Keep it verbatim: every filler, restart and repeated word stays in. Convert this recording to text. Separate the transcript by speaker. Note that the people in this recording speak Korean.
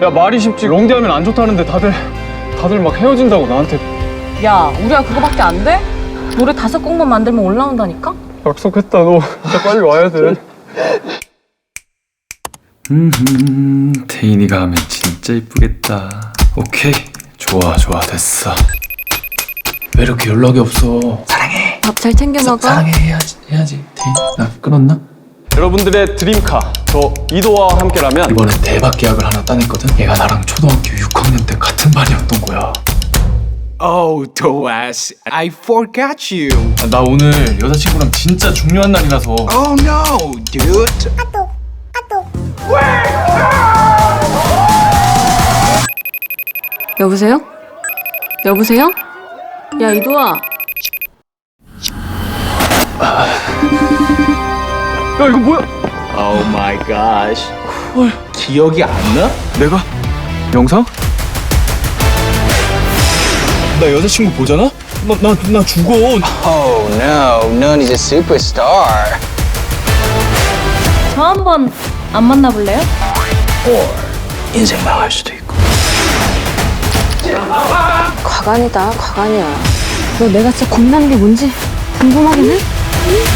Speaker 1: 야, 말이 쉽지. 롱디하면 안 좋다는데 다들 다들 막 헤어진다고 나한테.
Speaker 2: 야, 우리가 그거밖에 안 돼? 노래 다섯 곡만 만들면 올라온다니까?
Speaker 1: 약속했다. 너 진짜 빨리 와야 돼.
Speaker 3: 음, 태인이가 하면 진짜 이쁘겠다. 오케이, 좋아 좋아 됐어. 왜 이렇게 연락이 없어? 사랑해.
Speaker 2: 밥 잘 챙겨 먹어.
Speaker 3: 사랑해 해야지 해야지. 태인, 나 끊었나?
Speaker 1: 여러분들의 드림카 저 이도화와 함께라면
Speaker 3: 이번에 대박 계약을 하나 따냈거든. 얘가 나랑 초등학교 육 학년 때 같은 반이었던 거야.
Speaker 4: Oh, Toas, I forgot you.
Speaker 3: 아, 나 오늘 여자친구랑 진짜 중요한 날이라서.
Speaker 4: Oh no, dude.
Speaker 2: 여보세요? 여보세요? 야, 이도아.
Speaker 1: 야, 이거 뭐야?
Speaker 4: Oh my gosh. 기억이 안 나?
Speaker 1: 내가? 영상?
Speaker 3: 나 여자친구 보잖아? 나 나 나 죽어.
Speaker 5: Oh no, Nani's a superstar.
Speaker 2: 저 한번 안 만나볼래요?
Speaker 3: 인생 망할 수도 있고.
Speaker 2: 과간이다, 과간이야. 너 내가 진짜 겁나는 게 뭔지 궁금하긴 해?